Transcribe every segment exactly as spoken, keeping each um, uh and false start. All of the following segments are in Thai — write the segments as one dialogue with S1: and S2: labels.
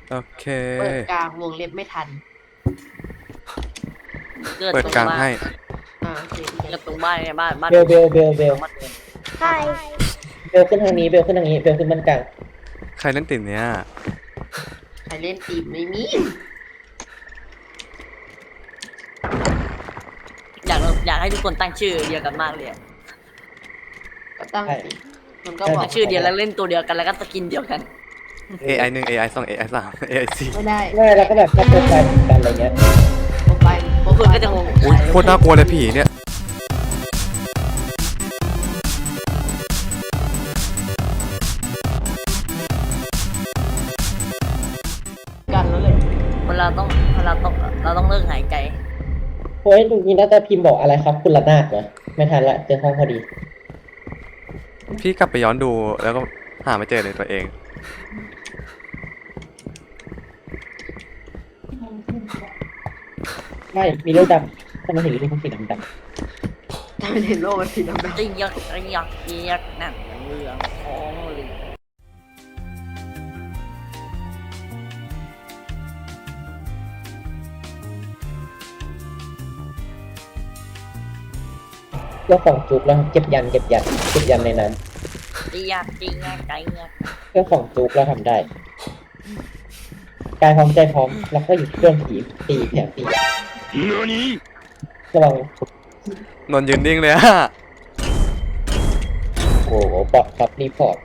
S1: โอเค
S2: เปิดกลางวงเล็บไม่ทัน
S1: เปิดกลางให้
S2: อ่าโอเค
S3: เกิดตรงบ้านเนี่ยบ้านบ้าน
S4: เบลเบลเบลเบล
S2: ใช่
S4: เบลขึ้นทางนี้เบลขึ้นทางนี้เบลขึ้นบ้านกลาง
S1: ใครเล่นติดเนี้ย
S2: ใครเล่นตีมไม่มี
S3: อยากอยากให้ทุกคนตั้งชื่อเดียวกันมากเลย
S2: ก็ตั้งสิมันก็บอก
S3: ตั้งชื่อเดียวแล้วเล่นตัวเดียวกันแล้วก็สกินเดียวกัน
S1: เอ ไอ หนึ่ง เอ ไอ สอง เอ ไอ สาม เอ ไอ สี่
S2: ไม่ได้
S4: ไม่แล้วก็แบบถ้าเป็นแฟนกันอะไรเงี้ย
S2: โปรไฟล์
S3: พวกคุณก็จะงง
S1: อุ้ยโคตรน่ากลัวเลยผีเนี่ย
S2: กันแล้วเลย
S3: เวลาต้องเวลาต้องเราต้องเลิกหายใจ
S4: โอ้ยดูนี่น่าจะพิมพ์บอกอะไรครับคุณระนาดนะไม่ทันละเจอห้องพอดี
S1: พี่กลับไปย้อนดูแล้วก็หาไม่เจอเลยตัวเอง
S4: ไม่มีเรื่องดำทำไมถึงมีเรื่องสีดำด
S2: ถ้าเป็นเห็นโลกมันสีดำ
S3: จะยักยักยักนั่นเรื่องของเลย
S4: ำเพื่อของจุกแล้วเก็บยันเก็บยันเก็บยันในนั้น
S3: จะยักจะยักใจยัก
S4: เพื่อของจุกเราทำได้กายพร้อมใจพร้อมแล้วก็อยู่ที่เครื่องผีตีแผลตีระวัง
S1: นอนยืนนิ่งเลยอะ
S4: โอ้โหปอดครับรีพอร์ต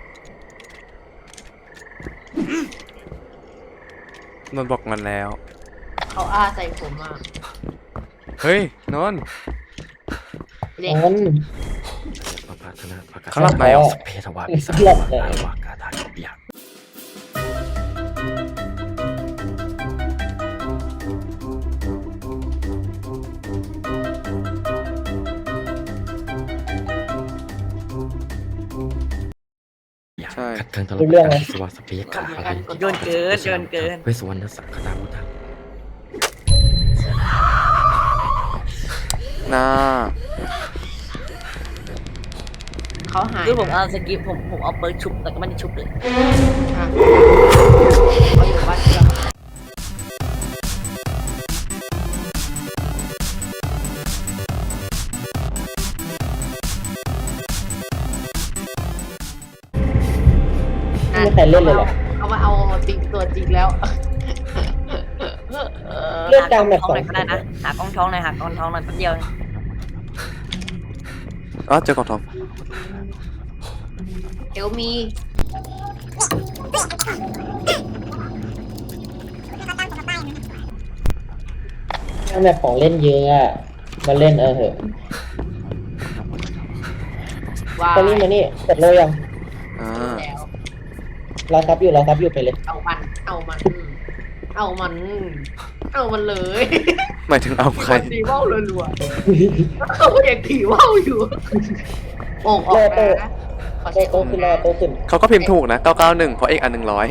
S1: นอนบอกมันแล้ว
S2: เขาอ้าใส่ผมอ่ะ
S1: เฮ้ยนอน
S2: เด็ก
S4: นั้น
S1: เขาหลับในเหรอ
S5: เพทวาปิสัง
S4: หลับใน
S5: อาวากาธาโยบิยะ
S1: ใช่
S5: ขัดเทิงตลอดการสวาสเปียขาอะไร
S3: โยนเกินโยนเกิน
S5: เวสวรรณสังฆนาวุฒา
S1: หน้า
S2: เขาหาย
S3: คือผมเอาสกิปผมผมเอาเปิร์กชุบแต่ก็ไม่ได้ชุบเลย
S2: อ่ะเขาอยู่บ้านเดียว
S4: ไม่มีใครเล่นเลยเหรอ
S2: เอามาเอาจริงตัวจริงแล้ว
S4: เลือกกลางแบบ
S3: ท้อ
S4: ส
S3: ง
S4: อ
S3: ห
S4: ง
S3: น่อยก็ได้นะหากล้องท้องหน่อยหากล้องท้องหน่อยแป๊บเดียว
S1: อ๋อเจอกล่องทอง
S2: เอลมี
S4: กลางแบบของเล่นเยอะอะมาเล่นเออเหอะ
S2: วา
S4: ตอนนี้
S2: ย
S4: มานี่เสร็จเลยยัง
S1: อ่า
S2: แล้ว
S4: รอซับอยู่รอซับอยู่ไปเลย
S2: เอามัน เอามัน เอามัน เอามันเลย
S1: หมายถึงเอาใคร
S2: ตีว่าวรัวๆเขาอยากตีว่าวอยู่โอ่งออกมานะขอ
S4: โต
S2: ใช้
S4: โต
S2: โอ่ง
S4: ขึ้นรอ
S2: นะ
S4: โตขึ้น
S1: เขาก็พิมพ์ถูกนะเก้าเก้าหนึ่งเพราะเอกอันหนึ่งร้อย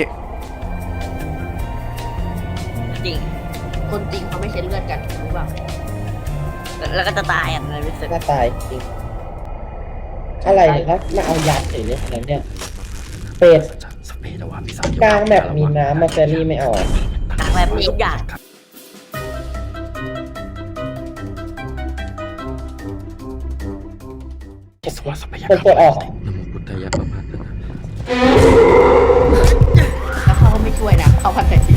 S3: จริง
S2: คนจริงเขาไม่ใช่เลือดกันรู้ป่ะ
S3: แล้วก็จะตายอ่ะในวิสึก
S4: หน้าตายจริง อะไรเนี่ยครับมาเอายัดเฉยเลยแล้วเนี่ยเป็ด
S5: สเปทวาปิสัง
S4: กลางแบบมีน้ำมาเฟรรี่ไม่เอาอะ
S3: ต่างแบบนี้ทุกอย่าง
S5: สวาสเปีย
S4: เป็นตัวออก
S5: นโมพุทธายะปะพัฒนา
S2: แล้วเขาก็ไม่ช่วยนะเขาพันแต่ที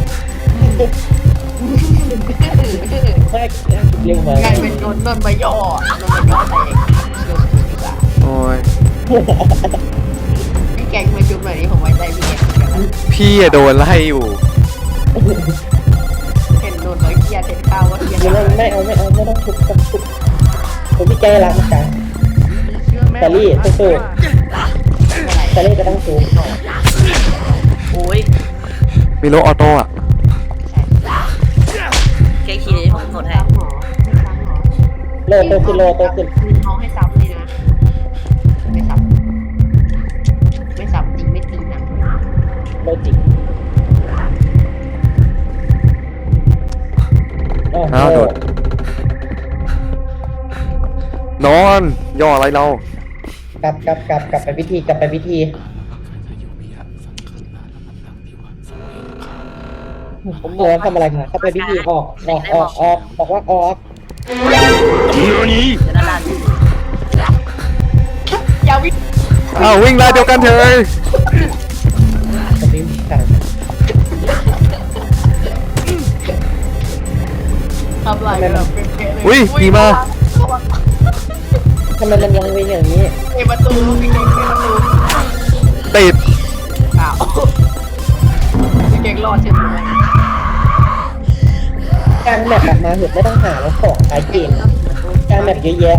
S4: ไม่เรียกมาก
S2: ลายเป็นโดนโดนมาย่อโดนมาย่อใส่เชื่อถือดีกว่า
S1: โอ้ย
S2: ไอ้แกงมาจุ๊บแบบนี้ผมไว้ใจพี่แกงเหมือนกันนะ
S1: พี่อะโดนไล่อยู่
S2: เห็นโดนร้อยเกียร์เห็นข้าวว่าเกียร์
S4: ไม่ไม่เอาไม่เอาไม่ต้องทุบต้องทุบผมพี่แกรักนะกลาง แต่รี่สู้ๆ แต่เล่นก็ต้องสูง
S3: โอ้ย
S1: มีโลออโต้อะ
S3: แค่ขี่ผมกดให้
S2: หมอไม่ซ้ำหรอ
S4: โลโตขึ้นโลโตขึ้น
S2: เขาให้ซ้ำเลยนะ ไม่ซ้ำไม่ซ้ำจริงไม่จริงนะ
S4: โลจิกอ้าว
S1: อ้าวโดด นอนย่ออะไรเรา
S4: กลับกลับกลับกลับไปพิธีกลับไปพิธีตัวทำอะไรกันเข้าไปพิธีออกออกออกออกบอกว่าออก
S3: จะด้านล่าง
S2: อย่าวิ่ง
S1: อ้าววิ่งไล่เดียวกันเถอะ
S4: จะไม่มีการ
S2: ทำไรแบบเป็นเกเลย
S1: อุ้ยมีมา
S4: ทำไมมันยังเป็นอย่างนี้
S2: เกประตูพี่เก่งเกประตู
S1: ติด
S2: อ้าวพี่เก่งรอดใช่ไหม
S4: การแมปแบบมาเห็นไม่ต้องหาแล้วของขายเกมการแมปเยอะแยะ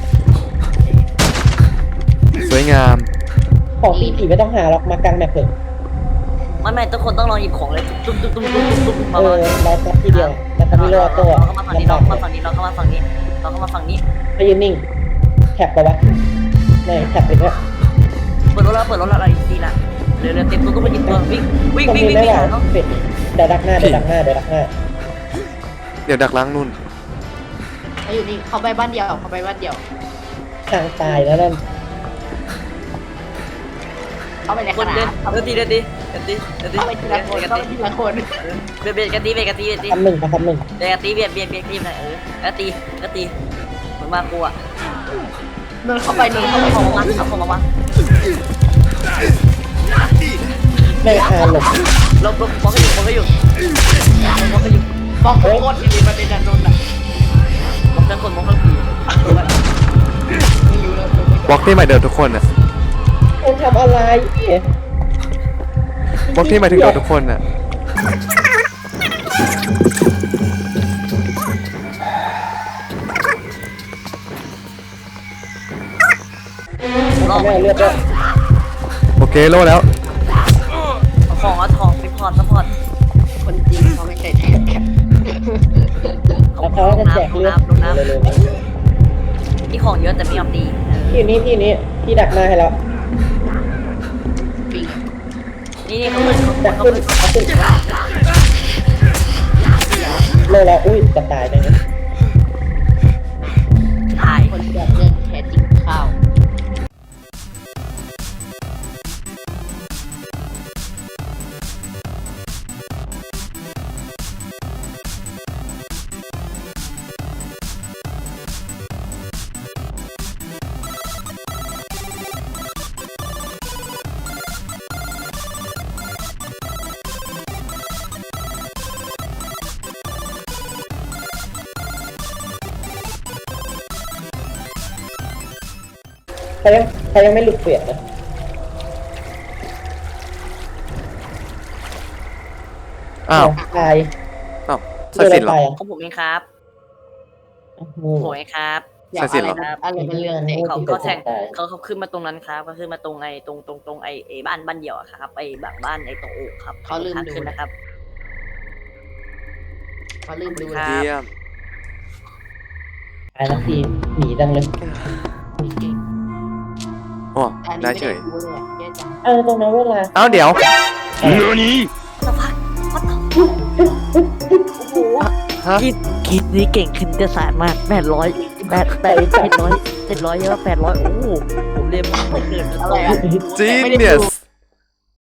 S1: สวยงาม
S4: ของตีผีไม่ต้องหาหรอกมากลางแมปเถอะ
S3: ไม่ไม่ทุกคนต้องลองหยิบของเลยตุ้มตุ้มตุ้มตุ้มตุ้มตุ้ม
S4: เอ
S3: มา
S4: อเราซับทีเดียวแต่ทำไม่รอดตัว
S3: เราเข้ามาฝั่งนี้เรา
S4: ลำบาก
S3: เข้ามาฝั่งนี้เราเข้ามาฝั่งนี้เราเข้ามาฝั่งนี้
S4: ไปยืนนิ่งแท็บปะวะไม่แท็บเลยเนี่ย
S3: เปิดรถแล้วเปิดรถแล้วอะไรดีล่ะเดี๋ยวเดี๋ยวเต็มตัวต้องมาหยิบตัววิ่งวิ่ง
S4: ตรง
S3: วิ่ง
S4: นี้
S3: วิ่ง
S4: ไม่
S3: วิ่ง
S4: ไหว
S3: หาเขา
S4: เป็ดเดี๋ยวดักหน้าเดี๋ยวดักหน้าเดี๋ยวดักหน้า
S1: เดี๋ยวดักล้างนู่น
S2: เขาอยู่นี่เขาไปบ้านเดียวเขาไปบ้านเดียว
S4: ทางตายแล้วนั่น
S2: เขาไปใน
S3: ค
S2: ข
S3: น
S2: นา
S3: เดิน
S2: ด
S3: เดินตีเดินตีเดินตีเดินตี
S2: เขาไปทีละคน
S3: เดิน
S2: เขา
S3: ตี
S2: ไปทีละคน
S3: เบียดเบียดกันตีเบียดกันตีเบียดตี
S4: คำหนึ่งกับคำหนึ่ง
S3: เบียดกันตีเบียดเบียดเบียดตีหน่อยเออแล้วตีแล้วตีเหมือนมากูอ่ะ
S2: เดินเข้าไปเดินเข้าไป
S3: เอาของมาเอาของมาวาง
S4: ไม่อาหลบ
S3: ลบลบบล็อกให้อยู่บล็อกให้อยู่บล็อกให้อยู่
S2: บอกโคตรดีประเด็นนันนนท์อ่ะ
S3: บล็อกทั้งคนบล็อกทั้งผี
S2: ไม่รู้เลย
S1: บล็อกที่หมายเดิมทุกคนอะ
S4: คุณทำอะไรเนี่ย
S1: บล็อกที่หมายถึงเราทุกคนอะ
S3: รอบ
S4: ทำไมเอาเลือดด้วย
S1: โอเคโล่แล้ว
S3: เอาของเอาทองไปพอดซัพพอร์ต
S2: คนจริงเขาไม่ใช่แทน
S4: แล้วเขาจะแจกเลือด
S3: ลงน้ำลง
S4: เร็ว
S3: น้ำนี่ของเยอะแต่ไม่ยอมตี
S4: ๆที่นี้ที่นี้ที่ดักหน้าให้แล้ว
S2: ปิง
S3: นี่นี่เขาขึ้น
S4: ดัก
S3: เขา
S4: ขึ้น
S3: ขึ้น
S4: เอาขึ้นโลแล้วอุ้ยจะตายเลยนะ
S3: ถ่าย
S2: คนแบบเรื่องแท้จริงข้าว
S4: เขายังเขายังไม่หลุดเปลี่ยนนะ
S1: อ้าว
S4: ตาย
S1: อ้าวศักดิ์สิทธิ์เหรอ
S4: ตายอ่ะ
S3: ของผมเองครับ
S4: โอ้โห
S3: ผมเองครับ
S2: อยากอะไรนะอะไรเป็นเรื่องเด็ก
S3: เขาเขาแทงเขาเขาขึ้นมาตรงนั้นครับเขาขึ้นมาตรงไอ้ตรงตรงตรงไอ้ไอ้บ้านบ้านเดี่ยวอะครับไอ้แบบบ้านไอ้ตรงโอกครับทางขึ้นนะครับ
S2: เขาลืมดู
S3: ครั
S2: นะ
S3: บ
S1: เยี่ยม
S4: ตายแล้วทีหนีจังเลย
S1: โอ้ได้เฉย
S2: แย่จัง
S4: เออตรงนั้นเวลา
S1: เอ้าเดี๋ยว
S3: สักพักวัดต่อโอ้โห
S1: ฮะ
S3: คิดคิดนี้เก่งขึ้นจะสารมากแปดร้อยแปดแปดเจ็ดร้อยเจ็ดร้อยเยอะแปดร้อยโอ้โหผมเรียนมาไม่เกิน
S2: อะไรอ่ะ
S1: จีนเนี่ย